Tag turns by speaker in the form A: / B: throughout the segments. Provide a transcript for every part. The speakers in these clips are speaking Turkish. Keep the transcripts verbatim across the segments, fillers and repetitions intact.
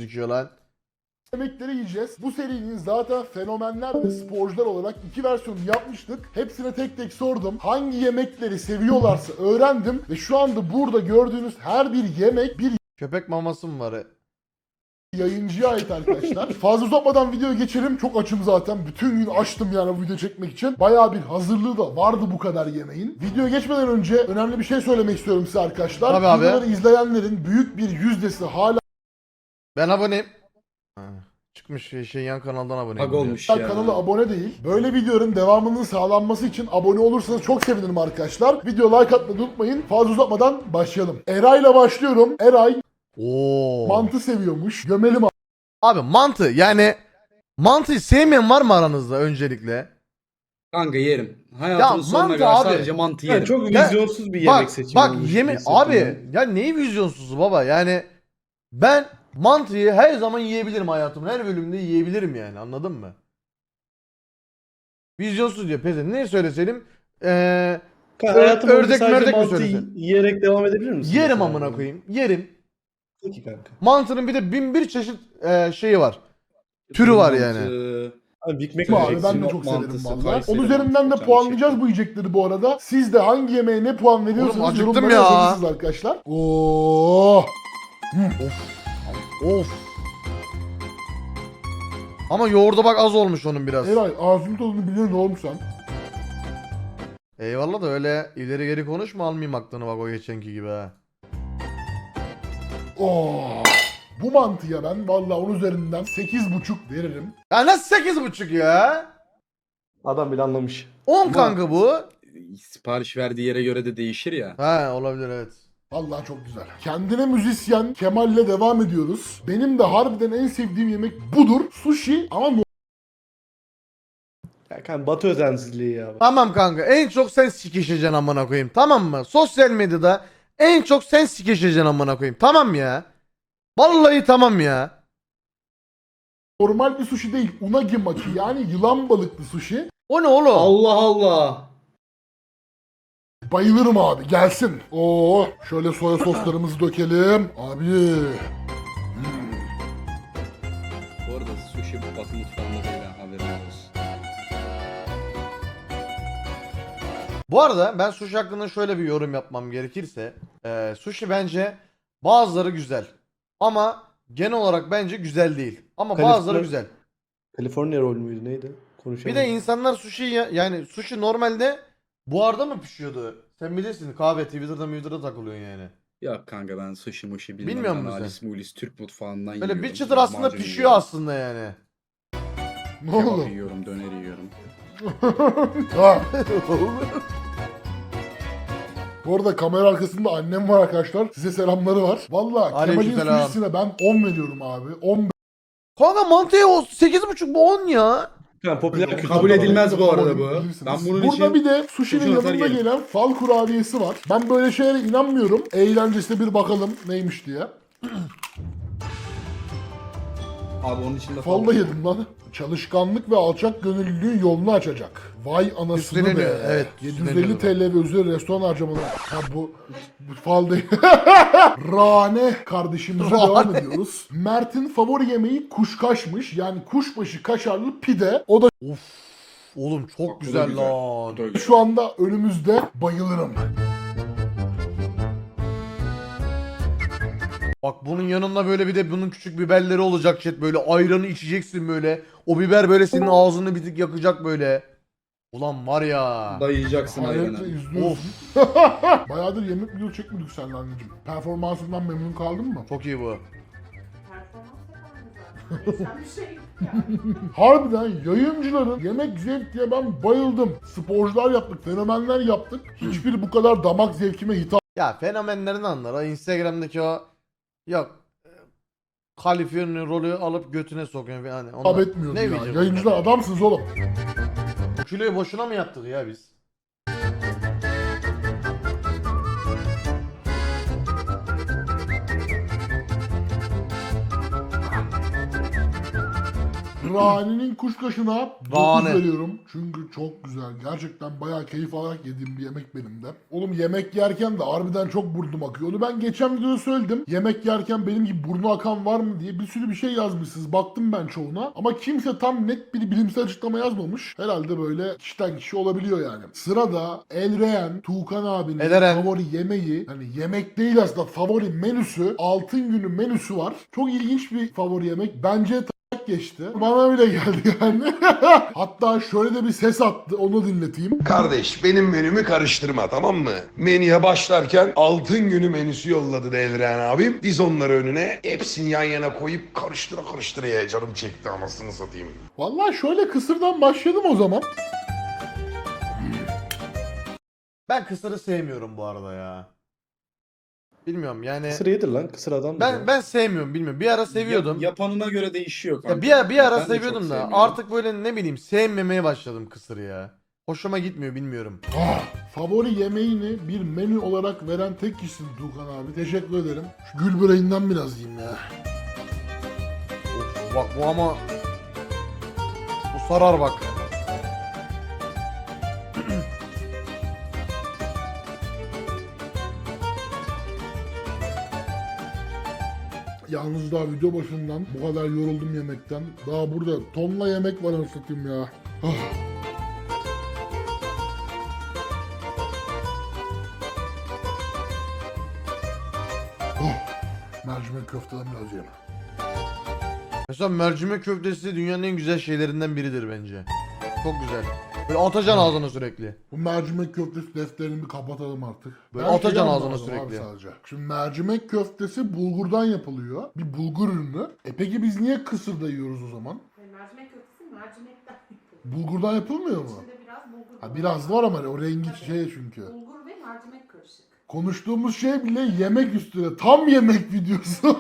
A: çekiyor lan.
B: Yemekleri yiyeceğiz. Bu serinin zaten fenomenler ve sporcular olarak iki versiyonu yapmıştık. Hepsine tek tek sordum. Hangi yemekleri seviyorlarsa öğrendim. Ve şu anda burada gördüğünüz her bir yemek bir
A: Köpek maması mı var?
B: yayıncıya ait arkadaşlar. Fazla uzatmadan videoya geçelim. Çok açım zaten. Bütün gün açtım yani bu video çekmek için. Bayağı bir hazırlığı da vardı bu kadar yemeğin. Videoya geçmeden önce önemli bir şey söylemek istiyorum size arkadaşlar.
A: Tabii abi.
B: Videoları izleyenlerin büyük bir yüzdesi hala
A: Ben aboneyim. Ha, çıkmış şey, şey yan kanaldan aboneyim.
C: Bug olmuş
B: Hala
C: ya.
B: kanala abone değil. Böyle videoların devamının sağlanması için abone olursanız çok sevinirim arkadaşlar. Video like atmayı unutmayın. Fazla uzatmadan başlayalım. Eray'la başlıyorum. Eray
A: Oo.
B: mantı seviyormuş. Gömelim abi.
A: Abi mantı yani mantıyı sevmeyen var mı aranızda öncelikle?
C: Kanka yerim. Hayatımın
A: Ya
C: sonuna
A: mantı
C: kadar
A: abi.
C: sadece mantı
D: Ya
C: yerim.
D: çok
A: Ya,
D: vizyonsuz bir
A: Bak
D: yemek seçimi
A: bak
D: olmuş
A: yeme
D: gibi hissettim
A: abi
D: ben.
A: ya neyi vizyonsuzu baba yani ben mantıyı her zaman yiyebilirim hayatımın her bölümünde yiyebilirim yani anladın mı? Vizyonsuz diyor peze ne söyleseydim eee
D: Kanka,
A: Ö-
D: hayatım boyunca
A: ördek
D: sadece
A: mördek mi
D: mantı
A: söylesen?
D: yiyerek devam edebilir misin?
A: yerim
D: mesela?
A: amına koyayım yerim.
D: Peki kanka.
A: Mantının bir de bin bir çeşit eee, şeyi var. Türü var yani.
C: Mantı,
D: Abi Big Mac
B: Abi
D: yiyeceksin.
B: ben de
C: Sinop
B: çok severim
C: mantısı,
B: valla.
C: Kayseri
B: Onun üzerinden de
C: mantısı,
B: puanlayacağız
C: şekli.
B: bu yiyecekleri bu arada. Siz de hangi yemeğe ne puan veriyorsunuz
A: Oğlum, acıktım
B: yorumlara
A: ya.
B: yazabilirsiniz arkadaşlar. Oo.
A: Of. Ama yoğurda bak az olmuş onun biraz.
B: Eray ağzının tadını biliyor ne olmuş sen?
A: Eyvallah da öyle ileri geri konuşma almayayım aklını bak o geçenki gibi ha.
B: Oo. Bu mantıya ben valla onun üzerinden sekiz buçuk veririm.
A: Ya nasıl sekiz buçuk ya?
D: Adam bile anlamış.
A: on kanka bu.
C: Sipariş verdiği yere göre de değişir ya.
A: Ha olabilir evet.
B: Vallahi çok güzel. Kendine müzisyen Kemal'le devam ediyoruz. Benim de harbiden en sevdiğim yemek budur. Sushi ama no-
D: Ya kanka Batı özensizliği ya.
A: Tamam kanka en çok sen sikişeceksin amına koyayım tamam mı? Sosyal medyada en çok sen sikişeceksin amına koyayım tamam ya. Vallahi tamam ya.
B: normal bir sushi değil. Unagi maki yani yılan balıklı sushi.
A: O ne oğlum?
C: Allah Allah.
B: Bayılırım abi gelsin. Oo, şöyle soya soslarımızı dökelim. Abi.
C: Bu arada sushi batı mutfağında değil ha, haberin olsun.
A: Bu arada ben sushi hakkında şöyle bir yorum yapmam gerekirse. E, sushi bence bazıları güzel. Ama genel olarak bence güzel değil. Ama
D: Kaliforniya-
A: bazıları güzel.
D: California roll müydü neydi? Konuşalım.
A: Bir de insanlar sushi ya- yani sushi normalde buharda mı pişiyordu? Sen bilirsin kahve Twitter'da Twitter'da takılıyorsun yani.
C: Ya kanka ben sushi mushi bilmem.
A: Bilmiyor
C: ben
A: musun sen?
C: Alice Mulis Türk mutfağından
A: Böyle
C: yiyorum.
A: bir çıtır aslında
C: lahmacun
A: pişiyor
C: yiyorum,
A: aslında yani.
B: Ne
C: Kebap
B: oldu?
C: yiyorum, döner yiyorum.
B: Ha. Bu arada kamera arkasında annem var arkadaşlar. Size selamları var. Valla Kemal'in
A: Aleykümselam.
B: sushisine ben on veriyorum abi. on
A: Kanka mantıya o sekiz buçuk bu on ya.
D: Kanka popüler kültür.
C: Kabul
D: falan.
C: edilmez bu arada bu.
B: Bilirsiniz.
C: Ben bunun
B: Burada
C: için
B: bir de sushi'nin
C: sushi atar
B: yanında
C: yerim.
B: gelen fal kurabiyesi var. Ben böyle şeylere inanmıyorum. Eğlencesine bir bakalım neymiş diye.
C: Abi onun içinde
B: Fal da yedim lan. Çalışkanlık ve alçak gönüllülüğün yolunu açacak. Vay anasını
A: Üstleniyor,
B: be.
A: evet,
B: yedi yüz elli
A: üstleniyor.
B: T L ve üzeri restoran harcamaları. Ha bu, bu fal değil. Rane kardeşimize
A: Rane.
B: devam ediyoruz. Mert'in favori yemeği kuşkaşmış. Yani kuşbaşı kaşarlı pide. O da
A: Of. Oğlum çok
C: Bak, bu da
A: güzel,
C: güzel.
A: lan.
C: Bu da güzel.
B: şu anda önümüzde, bayılırım.
A: Bak bunun yanında böyle bir de bunun küçük biberleri olacak chat böyle ayranı içeceksin böyle. O biber böyle senin ağzını bir tık yakacak böyle. Ulan var ya.
C: Dayayacaksın
B: Hayretle
C: ayranı.
B: izliyorsun. Bayağıdır yemek video çekmedik seninle anneciğim. Performansından memnun kaldın mı?
A: Çok iyi bu.
E: Performans bir şey yani.
B: Harbiden yayıncıların yemek zevk diye ben bayıldım. Sporcular yaptık, fenomenler yaptık. Hiçbiri bu kadar damak zevkime hitap
A: Ya fenomenlerin anlar. O Instagram'daki o yok e, Kaliforniya rolü alıp götüne sokuyor yani. Onlar,
B: etmiyordu
A: ne
B: ya.
A: bileyim.
B: Yayıncılar adamsınız oğlum.
A: Bu kiloyu boşuna mı yaptık ya biz?
B: Rani'nin kuşkaşına dokuz
A: Rani.
B: veriyorum. Çünkü çok güzel. Gerçekten bayağı keyif alarak yediğim bir yemek benim de. Oğlum yemek yerken de harbiden çok burnum akıyor. Onu ben geçen videoda söyledim. Yemek yerken benim gibi burnu akan var mı diye bir sürü bir şey yazmışsınız. Baktım ben çoğuna. Ama kimse tam net bir bilimsel açıklama yazmamış. Herhalde böyle kişiden kişi olabiliyor yani. Sırada Elreyen, Tuğkan abinin
A: Eleren.
B: favori yemeği, hani yemek değil aslında favori menüsü, Altın Günü menüsü var. Çok ilginç bir favori yemek. Bence t- geçti. Bana bile geldi yani. Hatta şöyle de bir ses attı. Onu dinleteyim.
F: Kardeş benim menümü karıştırma, tamam mı? Menüye başlarken altın günü menüsü yolladı Devren abim. Diz onları önüne, hepsini yan yana koyup karıştıra karıştıra ye. Canım çekti, anasını satayım.
B: Vallahi şöyle kısırdan başladım o zaman.
A: Ben kısırı sevmiyorum bu arada ya. Bilmiyorum yani.
D: Kısır yedir lan. Kısır adam.
A: Ben ben sevmiyorum, bilmiyorum. Bir ara seviyordum.
C: Yap- yapanına göre değişiyor kanka.
A: Ya bir, ara- bir ara
C: Ben de çok
A: seviyordum da
C: sevmiyorum.
A: artık böyle ne bileyim sevmemeye başladım kısırı ya. Hoşuma gitmiyor, bilmiyorum.
B: Ah, favori yemeğini bir menü olarak veren tek kişisin Tuğkan abi. Teşekkür ederim. Şu gül böreğinden biraz yiyeyim ya.
A: Of, bak bu ama bu sarar bak.
B: Yalnız daha video başından bu kadar yoruldum yemekten. Daha burada tonla yemek var anasatayım ya. Ah. Oh, mercimek köfteden biraz yiyeyim.
A: Mesela mercimek köftesi dünyanın en güzel şeylerinden biridir bence. Çok güzel. Böyle atacaksın ağzına sürekli.
B: Bu mercimek köftesi defterini bir kapatalım artık.
A: Böyle
B: Ben
A: atacaksın
B: şey
A: ağzına
B: anlamadım abi
A: sürekli.
B: sadece. Şimdi mercimek köftesi bulgurdan yapılıyor. Bir bulgur ürünü. E peki biz niye kısırda yiyoruz o zaman?
E: Yani mercimek köftesi mercimekten yapılıyor.
B: Bulgurdan yapılmıyor mu?
E: İçinde biraz bulgur
B: Ha,
E: var.
B: biraz var ama o rengi şey çünkü.
E: Bulgur ve mercimek karışık.
B: Konuştuğumuz şey bile yemek üstüne. Tam yemek videosu.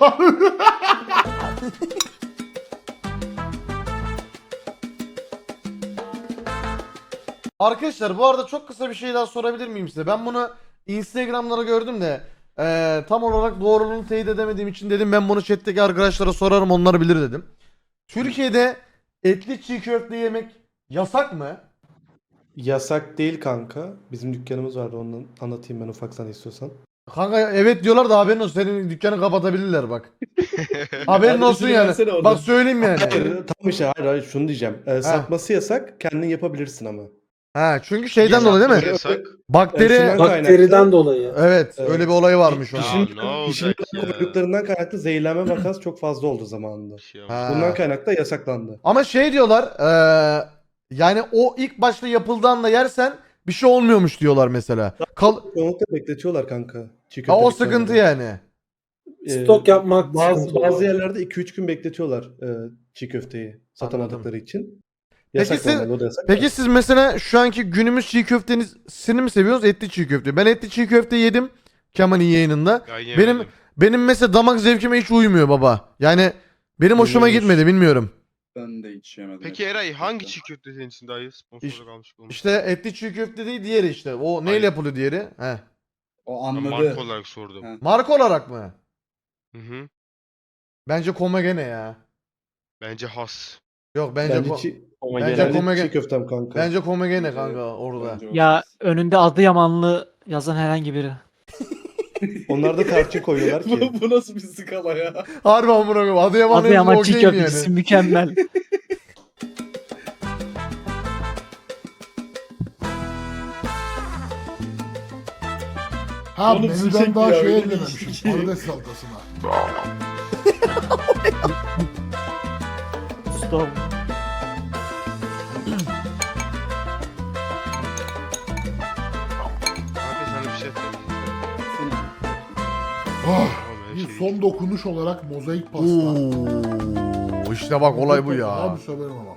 A: Arkadaşlar bu arada çok kısa bir şey daha sorabilir miyim size? Ben bunu Instagram'lara gördüm de eee, tam olarak doğruluğunu teyit edemediğim için dedim ben bunu chat'teki arkadaşlara sorarım, onlar bilir dedim. Türkiye'de etli çiğ köfte yemek yasak mı?
D: Yasak değil kanka. Bizim dükkanımız vardı, onu anlatayım ben ufaktan istiyorsan.
A: Kanka evet diyorlar da haberin olsun, senin dükkanı kapatabilirler bak. Haberin
D: Hadi
A: olsun
D: üstüne
A: yani.
D: versene oradan.
A: Bak söyleyeyim yani.
D: Hayır, tam işte hayır hayır şunu diyeceğim. Ee, satması yasak, kendin yapabilirsin ama.
A: Ha çünkü şeyden dolayı değil mi?
G: Yasak.
A: Bakteri.
D: Şundan
H: Bakteriden
D: kaynaklı-
H: dolayı.
A: Evet,
D: Evet.
A: öyle bir olayı varmış onun.
G: Ya
D: Şimdi
G: ne olacak
D: pişirme
G: ya?
D: koyduklarından kaynaklı zehirlenme vakası çok fazla oldu zamanında.
G: Şey
A: Ha.
D: Bundan kaynaklı da yasaklandı.
A: Ama şey diyorlar, eee, yani o ilk başta yapıldığında yersen bir şey olmuyormuş diyorlar mesela. Kal
D: Çoğunlukla bekletiyorlar kanka. Çiğ
A: ha,
D: köfte
A: o
D: dükkanında.
A: sıkıntı yani.
D: Ee,
H: Stok yapmak
D: Bazı,
H: sıkıntı
D: bazı
H: oluyor.
D: yerlerde iki üç gün bekletiyorlar e, çiğ köfteyi satamadıkları için.
A: Peki
D: Yasak
A: siz-
D: normalde, o da yasak.
A: Peki siz mesela şu anki günümüz çiğ köftesini mi seviyorsunuz, etli çiğ köfte? Ben etli çiğ köfte yedim Kemal'in yayınında.
G: Ben
A: Benim
G: yemedim.
A: benim mesela damak zevkime hiç uymuyor baba. Yani benim hoşuma
D: Uymuyormuş.
A: gitmedi, bilmiyorum.
C: Ben de hiç yemedim.
G: Peki Eray hangi çiğ köfte senin için daha iyi? Sponsorluk almış olmuş.
A: İşte etli çiğ köfte değil, diğeri işte. O neyle
G: Hayır.
A: yapılıyor diğeri? He.
C: O
G: Ben
C: anladı.
G: marka olarak sordum.
C: Ha.
A: Marka olarak mı?
G: Hı hı.
A: Bence Komagene ya.
G: Bence has.
A: Yok bence
D: Bence,
A: ko-
D: çiğ,
A: bence
D: bence
A: komege-
D: çiğ köftem kanka.
A: bence Komagene
C: Bence-
A: kanka orada.
C: Bence o
I: Ya
C: ses.
I: önünde Adıyamanlı yazan herhangi biri.
D: Onlar da tarçın koyuyorlar ki.
C: bu, bu nasıl bir skala ya?
A: Harbi amına koyayım. Adıyaman'ın
I: Adıyaman
A: okey
I: çiğ
A: mi
I: köftesi
A: yani?
I: mükemmel.
B: Ha
C: Oğlum
B: menüden
C: sıcak
B: daha
C: ya,
B: şey
C: öyle
B: eklememişim.
C: bir şey.
B: Patates salatasına.
I: Stop.
G: Kanka sana bir şey söyleyeyim.
B: Oh,
G: Oğlum, her
B: bir
G: şey
B: son dokunuş olarak mozaik pasta.
A: Oo, işte bak olay bu ya.
B: Abi severim ama.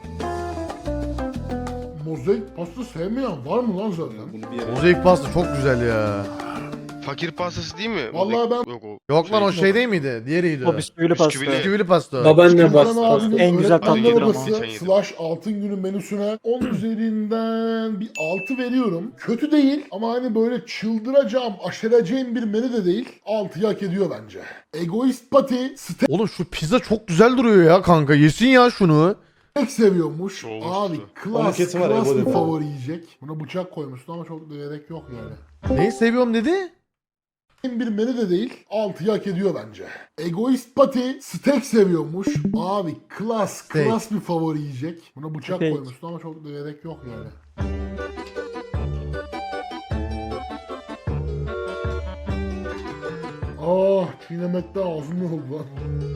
B: Mozaik pasta sevmeyen var mı lan zaten?
C: Bunu bir yere...
A: Mozaik pasta çok güzel ya.
G: Fakir pastası değil mi?
B: Vallahi ben-
G: Yok o.
A: Yok lan o
G: şey-
A: şey değil miydi? Diğeriydi.
I: O bisküvili pasta.
G: Bisküvili.
A: Bisküvili pasta.
H: Babaanne
B: Tuğkan
H: bastı.
B: abinin
I: En güzel
B: öğretmenler
I: tatlıdır ama.
B: odası
G: Geçen yedim.
B: slash altın günü menüsüne on üzerinden bir altı veriyorum. Kötü değil ama hani böyle çıldıracağım, aşereceğim bir menü de değil. altıyı hak ediyor bence. Egoist Pati,
A: Oğlum şu pizza çok güzel duruyor ya kanka. Yesin ya şunu.
B: Tek seviyormuş.
G: Çoğu
B: Abi
G: usta.
B: klas,
D: Onun kesin var,
B: klas
D: Ebo
B: bir
D: dedi.
B: favori yiyecek. Buna bıçak koymuşsun ama çok da gerek yok yani.
A: Neyi seviyorum dedi?
B: Bir menü de değil. altıyı hak ediyor bence. Egoist Pati steak seviyormuş. Abi klas,
A: Steak.
B: klas bir favori yiyecek. Buna bıçak
I: Steak.
B: koymuşsun ama çok da gerek yok yani. Ah, çiğnemekten ağzım yoruldu lan.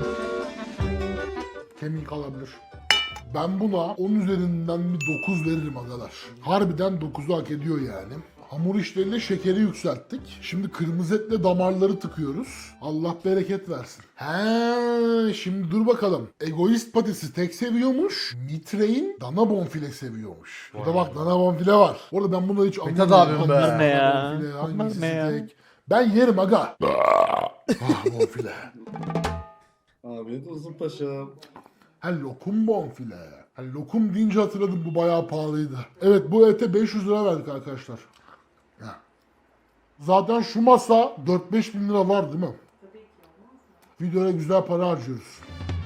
B: Kemik alabilir. Ben buna on üzerinden bir dokuz veririm agalar. Harbiden dokuzu hak ediyor yani. Hamur işleriyle şekeri yükselttik. Şimdi kırmızı etle damarları tıkıyoruz. Allah bereket versin. He, şimdi dur bakalım. Egoist patisi tek seviyormuş. Mitrein dana bonfile seviyormuş. Burada bak dana bonfile var. Orada ben bunları hiç
A: Mithat
B: anlamıyorum.
A: abim be.
B: Hangisi
I: Ne ya?
B: bonfile,
I: Onlar
B: hangisi
I: ne ya?
B: steak? Ben yerim aga. Ah bonfile.
H: Afiyet olsun paşam.
B: Ha lokum bonfile. Ha lokum deyince hatırladım, bu bayağı pahalıydı. Evet, bu ete beş yüz lira verdik arkadaşlar. Ya. Zaten şu masa dört beş bin lira var değil mi?
E: Tabii ki olmaz mı?
B: Videoya güzel para harcıyoruz.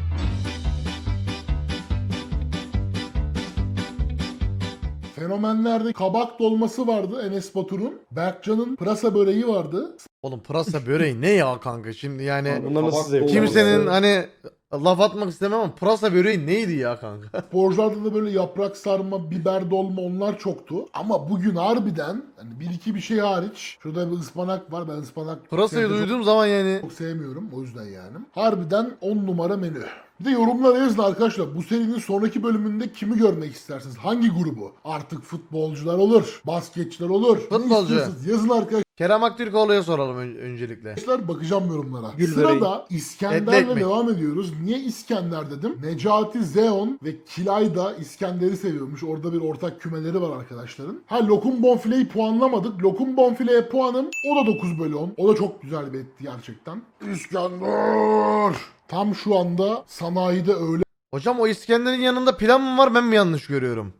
B: Fenomenlerde kabak dolması vardı Enes Batur'un. Berkcan'ın pırasa böreği vardı.
A: Oğlum pırasa böreği ne ya kanka şimdi yani
D: Bunlar nasıl
H: Kabak
D: zevk?
H: dolması.
A: kimsenin hani laf atmak istemem ama pırasa böreği neydi ya kanka?
B: Sporcularda da böyle yaprak sarma, biber dolma onlar çoktu. Ama bugün harbiden hani bir iki bir şey hariç. Şurada bir ıspanak var. Ben ıspanak
A: Pırasayı
B: sevdim, çok-
A: duyduğum zaman yani
B: Çok sevmiyorum o yüzden yani. Harbiden on numara menü. Bir de yorumlara yazın arkadaşlar. Bu serinin sonraki bölümünde kimi görmek istersiniz? Hangi grubu? Artık futbolcular olur, basketçiler olur. Ne
A: Futbolcu.
B: istiyorsunuz? Yazın arkadaşlar.
A: Kerem Aktürkoğlu'ya soralım ön- öncelikle.
B: Bakacağım yorumlara.
I: Gül
B: Sırada
A: Etli
B: İskender'le
A: ekmek.
B: devam ediyoruz. Niye İskender dedim? Necati Zeon ve Kilay da İskender'i seviyormuş. Orada bir ortak kümeleri var arkadaşların. Ha lokum bonfileyi puanlamadık. Lokum bonfileye puanım o da dokuz bölü on. O da çok güzel bir etti gerçekten. İskender! Tam şu anda sanayide öyle
A: Hocam o İskender'in yanında pilav mı var ben mi yanlış görüyorum?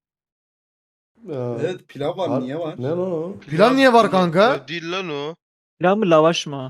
D: Aa,
H: Evet pilav var,
D: Var.
H: niye var?
D: Ne lan o?
A: Pilav niye var kanka?
G: Ya değil lan o.
I: Pilav mı lavaş mı?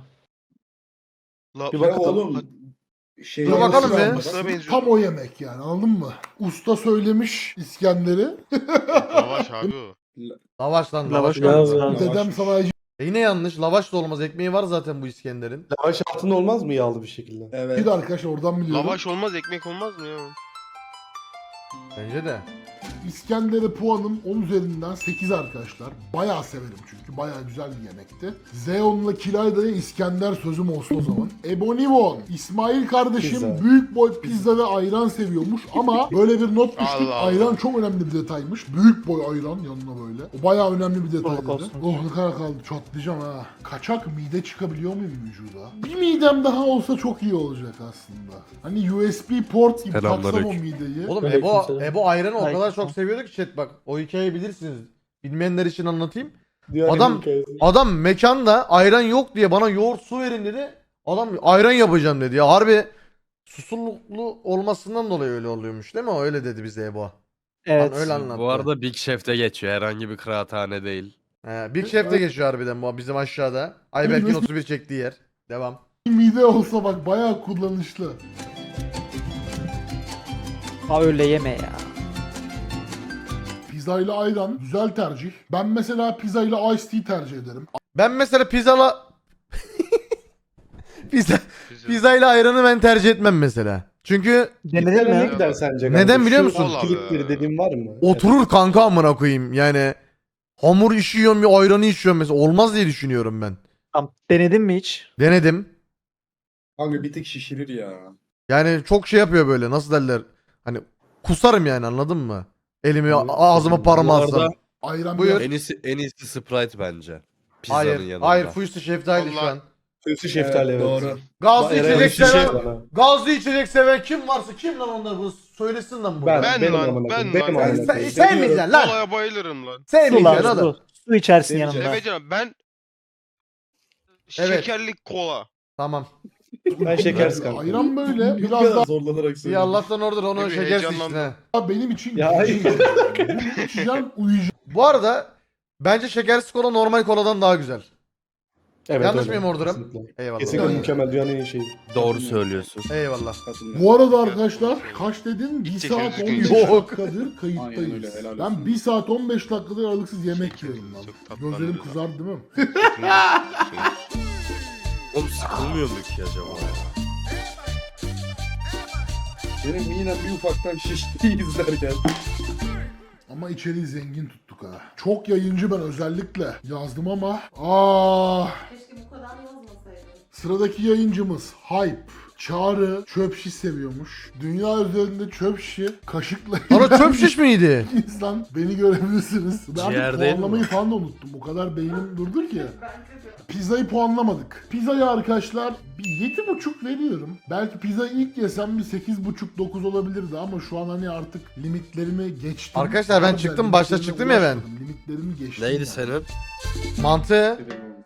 G: La,
D: Bir
H: Pilav
D: bakalım.
H: oğlum. Şey,
A: Dur bakalım
B: Nasıl
A: be.
B: olması?
G: Nasıl benziyor?
B: Tam o yemek yani, anladın mı? Usta söylemiş İskender'i.
G: Lavaş abi o.
A: Lavaş lan
I: Lavaş
A: lavaş.
I: mı?
A: kanka.
H: Lavaş.
B: Dedem sanayici
A: E yine yanlış. Lavaş da olmaz. Ekmeği var zaten bu İskender'in.
D: Lavaş altında olmaz mı yağlı bir şekilde?
H: Evet.
B: de arkadaşlar, oradan biliyorum.
G: Lavaş olmaz, ekmek olmaz mı ya?
A: Bence de.
B: İskender'e puanım on üzerinden sekiz arkadaşlar. Bayağı severim çünkü. Bayağı güzel bir yemekti. Zeon'la Kilayda'ya İskender sözüm olsun o zaman. Ebonivon, İsmail kardeşim
D: Pizza.
B: büyük boy pizza ve ayran seviyormuş ama böyle bir not düştük.
G: Allah Allah.
B: Ayran çok önemli bir detaymış. Büyük boy ayran yanına böyle. O bayağı önemli bir detay dedi.
I: olsun.
B: Oh ne kadar kaldı, çatlayacağım ha. Kaçak mide çıkabiliyor muyum vücuda? Bir midem daha olsa çok iyi olacak aslında. Hani U S B port gibi taksam o mideyi.
A: Oğlum
I: Aleyküm
A: Ebo,
I: selam.
A: Ebo ayranı o kadar
I: Aleyküm
A: çok seviyordu ki chat bak. O hikayeyi bilirsiniz. Bilmeyenler için anlatayım.
D: Dünyanın
A: Adam-
D: en hikayesi.
A: Adam mekanda ayran yok diye bana yoğurt su verin dedi. Adam ayran yapacağım dedi ya. Harbi susurluklu olmasından dolayı öyle oluyormuş değil mi? O öyle dedi bize Ebo.
I: Evet.
A: Lan öyle anlattı.
J: Bu arada Big Chef'te geçiyor. Herhangi bir kıraathane değil.
A: He, Big Chef'te geçiyor harbiden bu bizim aşağıda. Ayberk'in otuz bir çektiği yer. Devam.
B: Mide olsa bak bayağı kullanışlı.
I: Ha öyle yeme ya.
B: Pizza ile ayran güzel tercih. Ben mesela pizza ile iced tea tercih ederim.
A: Ben mesela pizzala... pizza,
G: Pizza.
A: pizza ile ayranı ben tercih etmem mesela. Çünkü
I: Denedin
D: Nereye
I: mi?
D: gider sence?
A: Neden
D: kanka?
A: biliyor
D: Şu
A: musun?
D: trikleri dediğin var mı?
A: oturur kanka amına koyayım yani. Hamur işiyorum bir ayranı içiyorum mesela. Olmaz diye düşünüyorum ben.
I: Tamam. Denedin mi hiç?
A: Denedim.
H: Kanka bir tek şişirir ya.
A: Yani çok şey yapıyor böyle nasıl derler. Hani kusarım yani anladın mı? Elimi
D: Evet.
A: ağzıma parmağı
J: Bu arada-
A: alsam.
B: Ayran
A: Buyur.
B: biraz-
J: En iyisi, en iyisi Sprite bence. Pizzanın
A: Hayır.
J: yanında.
A: Hayır Fuyusu şeftali şu
G: Vallahi-
A: an.
D: Kötü şeftali evet.
H: Doğru.
A: Gazlı
D: Eray
A: içecek
D: şişe
A: seven.
D: bana.
A: Gazlı içecek seven kim varsa kim lan onlar bu söylesin lan burada.
D: Ben,
G: Ben
D: benim
G: lan,
D: amına koyayım,
G: ben
D: benim
G: lan.
D: amına
A: Sen,
D: koyayım.
A: sevmeyeceksin lan.
G: Kolaya bayılırım lan.
I: Su
A: Sevmeyeceksin
I: lazım.
A: oğlum.
I: Su. Su içersin
H: Seveceğim.
I: yanında.
G: Seveceğim ben
A: Evet.
G: şekerli kola.
A: Tamam.
D: Ben şekersiz kanka.
B: Ayran böyle biraz
H: Biraz zorlanarak
A: İyi
H: söylüyorum.
A: Allah'tan oradır onu
G: Ne bir
A: şeker
G: heyecanlandım.
A: içsin ha.
B: daha benim için
D: Ya hayır.
B: Bunu içeceğim, uyuyacağım.
A: Bu arada bence şekersiz kola normal koladan daha güzel.
D: Evet,
A: Yanlış
D: öyle.
A: mıyım ordurum?
D: Kesinlikle.
A: Eyvallah.
D: Kesinlikle
B: Yani-
D: mükemmel dünyanın en iyi şeyi.
J: Doğru söylüyorsun.
A: Eyvallah.
H: Katılıyorum.
B: Bu arada arkadaşlar kaç dedin? bir
G: İlk
B: saat
G: çekimimiz
B: on beş
A: gün. Yok.
B: dakikadır
H: Aynen
B: kayıttayız.
H: öyle, helal
B: Ben
H: olsun.
B: bir saat on beş dakikadır aralıksız yemek yiyorum lan.
G: Çok tatlı
B: Gözlerim
G: anlıyor.
B: kızardı değil mi?
J: Oğlum sıkılmıyor mu ki acaba?
H: Benim yine bir ufaktan şişti izlerken.
B: Ama içeriği zengin tuttuk ha. Çok yayıncı ben özellikle yazdım ama aa
E: Keşke bu kadar yazmasaydın.
B: sıradaki yayıncımız Hype. Çağrı çöp şiş seviyormuş. Dünya üzerinde çöp şişi kaşıkla
A: Ana çöp şiş miydi?
B: insan beni görebilirsiniz. Ben
J: Ciğer
B: artık
J: değil mi
B: puanlamayı falan da unuttum. O kadar beynim durdur ki.
E: Bence de.
B: Pizzayı puanlamadık. Pizzaya arkadaşlar bir yedi buçuk veriyorum. Belki pizza ilk yesem bir sekiz buçuk dokuz olabilirdi ama şu an hani artık limitlerimi geçtim.
A: Arkadaşlar ben
B: Harbiden
A: çıktım, başta
B: limitlerime
A: çıktım ya ben.
B: ulaşmadım. Limitlerimi geçtim.
J: Neydi
B: yani.
J: senin?
A: Mantı.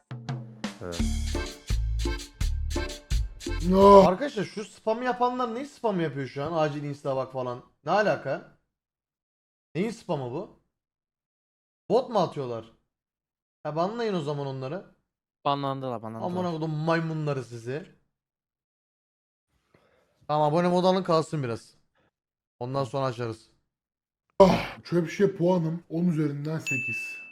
B: Oh.
A: Arkadaşlar şu spam yapanlar ne spam yapıyor şu an? Acil insta bak falan. Ne alaka? Neyin spamı bu? Bot mu atıyorlar? Ha banlayın o zaman onları.
I: Banlandılar banlandılar.
A: Amına kodum maymunları sizi. Tamam abone mod alın kalsın biraz. Ondan sonra açarız.
B: Çöp şişe puanım on üzerinden sekiz.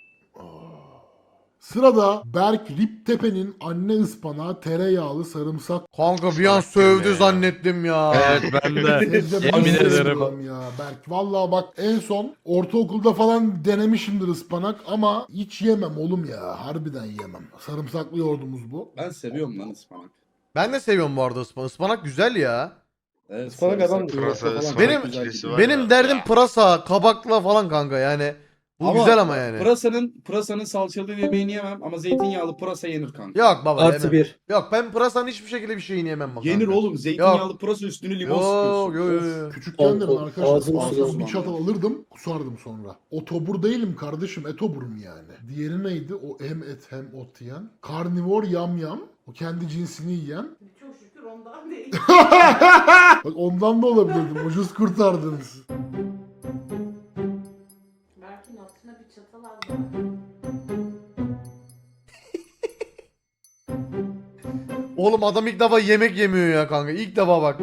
B: Sırada Berk Riptepe'nin anne ıspanağı tereyağlı sarımsak.
A: Kanka bir an sövdü zannettim ya.
J: Evet ben de.
B: Sebze
J: Yemin
B: ben
J: ederim.
B: sevmiyorum ya Berk. Vallahi bak en son ortaokulda falan denemişimdir ıspanak ama hiç yemem oğlum ya. Harbiden yemem. Sarımsaklı yoğurdumuz bu.
H: Ben seviyorum lan ıspanak.
A: Ben de seviyorum bu arada ıspanak. Ispanak güzel ya.
H: Evet,
D: Ispanak
H: sarımsak,
D: adam-
H: pırasa
G: Pırasa,
H: falan
G: ıspanak
A: Benim-
H: güzel
G: ikilisi
H: gidiyor.
G: var
A: Benim
G: ya.
A: derdim pırasa, kabakla falan kanka yani. Bu güzel ama yani.
H: Pırasanın, pırasanın salçalı yemeğini yemem ama zeytinyağlı pırasa yenir kanka.
A: Yok baba
I: Artı
A: yemem.
I: bir.
A: Yok ben pırasanın hiçbir şekilde bir şeyini yemem bak.
H: Yenir
A: kanka.
H: oğlum, zeytinyağlı pırasa üstüne limon
A: Yok
H: sıkıyorsun.
A: yok
H: Of.
A: yok.
B: Küçükken de ben
I: O- o-
B: arkadaşlar
I: ağzım
B: fazla
H: sulandı.
B: bir çatal alırdım kusardım sonra. Otobur değilim kardeşim etoburum yani. Diğeri neydi? O hem et hem ot yiyen. Karnivor yamyam. O kendi cinsini yiyen.
E: Çok şükür ondan değil.
B: Bak ondan da olabilirdim. Ucuz kurtardınız.
E: Berk'in altına bir çatal al.
A: Oğlum adam ilk defa yemek yemiyor ya kanka. İlk defa bak.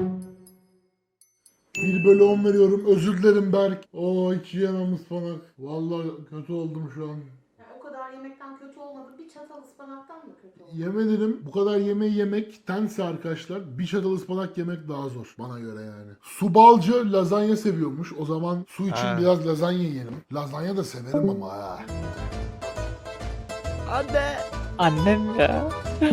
B: bir bölü on veriyorum. Özür dilerim Berk. Oo hiç yiyemem ıspanak. Vallahi kötü oldum şu an.
E: Yani o kadar yemekten kötü olmadı. Bir çatal ıspanaktan mı kötü oldu?
B: Yemedim. Bu kadar yemeği yemektense arkadaşlar bir çatal ıspanak yemek daha zor. Bana göre yani. Subalcı lazanya seviyormuş. O zaman su için
A: Ha.
B: biraz lazanya yiyelim. Lazanya da severim ama ha.
A: Anne.
I: Annem ya.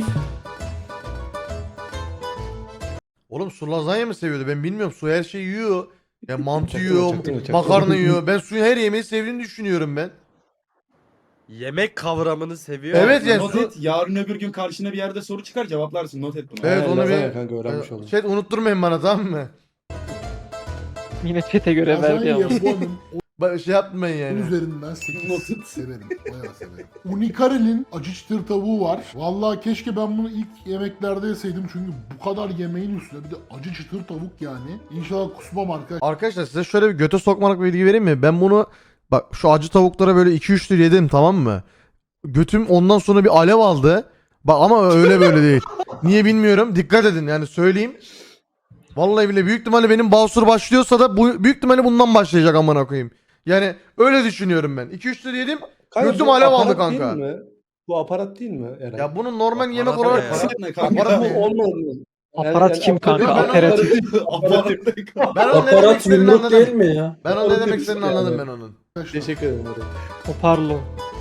A: Oğlum su lazanya mı seviyordu? Ben bilmiyorum. Su her şeyi yiyor. Ya mantı
D: Çaktırma,
A: yiyor,
D: çaktırma, çaktırma.
A: makarna yiyor. Ben suyun her yemeği sevdiğini düşünüyorum ben.
J: Yemek kavramını seviyor.
A: Evet yani
H: Not
A: su...
H: et, yarın öbür gün karşına bir yerde soru çıkar cevaplarsın, not et bunu.
A: Evet
D: Ha,
A: onu
D: lazanya
A: bir...
D: kanka öğrenmiş oldum.
A: Chat unutturmayın bana tamam mı?
I: Yine çete göre verdi
B: Lazanya
I: ama.
B: puanım
A: Ba- Şey yapmayın
B: on
A: yani.
B: üzerinden sekiz. Severim. Bayağı severim. Unikarel'in acı çıtır tavuğu var. Vallahi keşke ben bunu ilk yemeklerde yeseydim çünkü bu kadar yemeğin üstüne bir de acı çıtır tavuk yani. İnşallah kusmam arkadaşlar.
A: Arkadaşlar size şöyle bir göte sokmalık bir bilgi vereyim mi? Ben bunu bak şu acı tavuklara böyle iki üç lira yedim tamam mı? Götüm ondan sonra bir alev aldı. Bak ama öyle böyle değil. Niye bilmiyorum. Dikkat edin yani söyleyeyim. Vallahi bile büyük ihtimalle benim basur başlıyorsa da bu büyük ihtimalle bundan başlayacak amına koyayım. Yani öyle düşünüyorum ben. iki üç lira yedim.
D: Kanka,
A: Götüm
D: bu
A: alev aldı
D: aparat değil
A: kanka.
D: mi? Bu aparat değil mi Eren?
A: Ya bunun normal yemek
J: Aparat
A: olarak
J: ne ya?
H: Aparat ne kanka?
A: Aparat
D: bu
A: ne?
D: olmadı mı?
I: Aparat kim kanka?
A: Ben-
I: Aperatif.
H: Aparat ne kanka?
A: ben onun ne demek istediğini anladım.
D: mi ya?
A: Ben onun ne
D: Aparat
A: demek istediğini
D: yani.
A: anladım ben onun.
D: Teşekkür ederim Eren.
I: Hoparlo.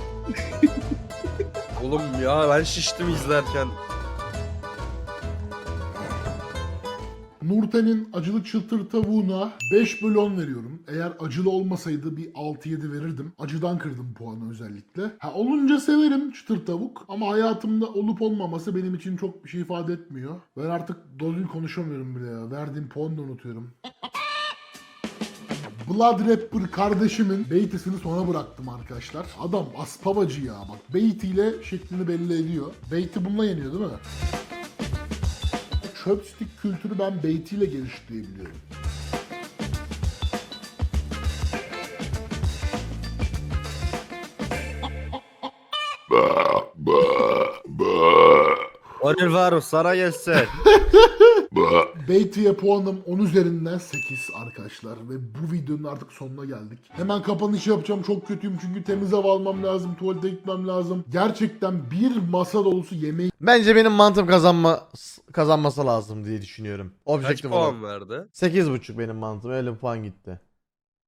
J: Oğlum ya ben şiştim izlerken.
B: Nurten'in acılı çıtır tavuğuna beş bölü on veriyorum. Eğer acılı olmasaydı bir altı yedi verirdim. Acıdan kırdım puanı özellikle. Ha olunca severim çıtır tavuk ama hayatımda olup olmaması benim için çok bir şey ifade etmiyor. Ben artık doğru konuşamıyorum bile ya. Verdiğim puanı da unutuyorum. Blood Rapper kardeşimin beytisini sona bıraktım arkadaşlar. Adam aspavacı ya bak. Beytiyle şeklini belli ediyor. Beyti bununla yeniyor değil mi? Chopstick kültürü ben beytiyle geliştirebiliyorum.
F: Ba, ba, ba.
J: Onur Faruk sana gelsin.
B: Beyti'ye puanım on üzerinden sekiz arkadaşlar ve bu videonun artık sonuna geldik. Hemen kapanış yapacağım, çok kötüyüm çünkü temiz hava almam lazım, tuvalete gitmem lazım. Gerçekten bir masa dolusu yemeği
A: Bence benim mantım kazanma kazanması lazım diye düşünüyorum.
J: Kaç
A: Objektif olarak.
J: puan verdi?
A: sekiz buçuk benim mantım. Öyle bir puan gitti.